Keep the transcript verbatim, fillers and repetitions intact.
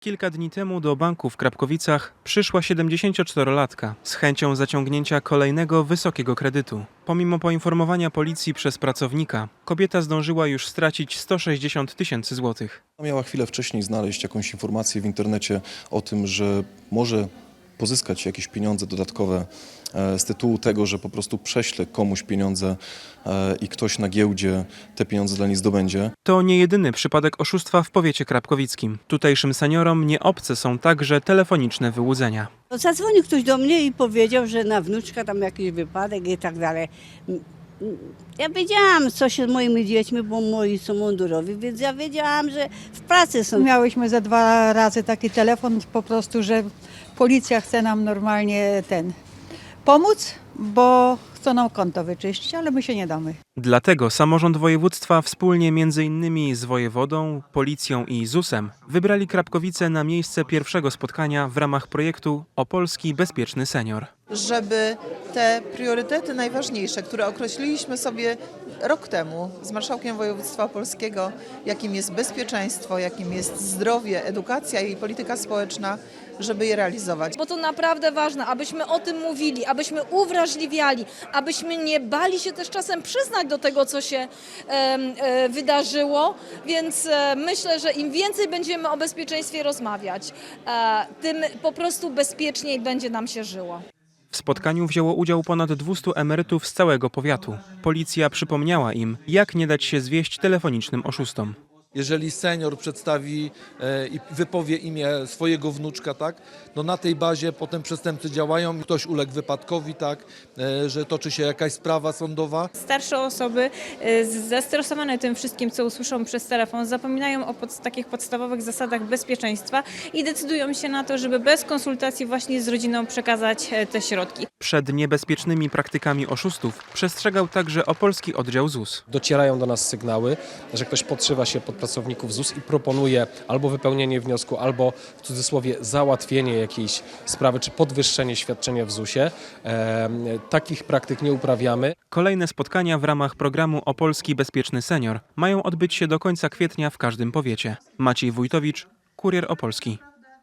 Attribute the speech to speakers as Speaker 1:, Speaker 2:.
Speaker 1: Kilka dni temu do banku w Krapkowicach przyszła siedemdziesięcioczterolatka z chęcią zaciągnięcia kolejnego wysokiego kredytu. Pomimo poinformowania policji przez pracownika, kobieta zdążyła już stracić sto sześćdziesiąt tysięcy złotych.
Speaker 2: Miała chwilę wcześniej znaleźć jakąś informację w internecie o tym, że może pozyskać jakieś pieniądze dodatkowe z tytułu tego, że po prostu prześle komuś pieniądze i ktoś na giełdzie te pieniądze dla niej zdobędzie.
Speaker 1: To nie jedyny przypadek oszustwa w powiecie krapkowickim. Tutejszym seniorom nie obce są także telefoniczne wyłudzenia.
Speaker 3: Zadzwonił ktoś do mnie i powiedział, że na wnuczka tam jakiś wypadek i tak dalej. Ja wiedziałam, co się z moimi dziećmi, bo moi są mundurowi, więc ja wiedziałam, że w pracy są.
Speaker 4: Miałyśmy za dwa razy taki telefon po prostu, że policja chce nam normalnie ten pomóc, bo chcą nam konto wyczyścić, ale my się nie damy.
Speaker 1: Dlatego samorząd województwa wspólnie między innymi z wojewodą, policją i zusem wybrali Krapkowice na miejsce pierwszego spotkania w ramach projektu Opolski Bezpieczny Senior.
Speaker 5: Żeby te priorytety najważniejsze, które określiliśmy sobie rok temu z marszałkiem województwa opolskiego, jakim jest bezpieczeństwo, jakim jest zdrowie, edukacja i polityka społeczna, żeby je realizować.
Speaker 6: Bo to naprawdę ważne, abyśmy o tym mówili, abyśmy uwrażliwiali, abyśmy nie bali się też czasem przyznać do tego, co się e, e, wydarzyło, więc e, myślę, że im więcej będziemy o bezpieczeństwie rozmawiać, e, tym po prostu bezpieczniej będzie nam się żyło.
Speaker 1: W spotkaniu wzięło udział ponad dwustu emerytów z całego powiatu. Policja przypomniała im, jak nie dać się zwieść telefonicznym oszustom.
Speaker 7: Jeżeli senior przedstawi e, i wypowie imię swojego wnuczka, tak, no na tej bazie potem przestępcy działają, ktoś uległ wypadkowi, tak, e, że toczy się jakaś sprawa sądowa.
Speaker 8: Starsze osoby e, zestresowane tym wszystkim, co usłyszą przez telefon, zapominają o pod, takich podstawowych zasadach bezpieczeństwa i decydują się na to, żeby bez konsultacji właśnie z rodziną przekazać e, te środki.
Speaker 1: Przed niebezpiecznymi praktykami oszustów przestrzegał także opolski oddział ZUS.
Speaker 9: Docierają do nas sygnały, że ktoś podszywa się pod pracowników ZUS i proponuje albo wypełnienie wniosku, albo w cudzysłowie załatwienie jakiejś sprawy, czy podwyższenie świadczenia w zusie. E, takich praktyk nie uprawiamy.
Speaker 1: Kolejne spotkania w ramach programu Opolski Bezpieczny Senior mają odbyć się do końca kwietnia w każdym powiecie. Maciej Wójtowicz, Kurier Opolski.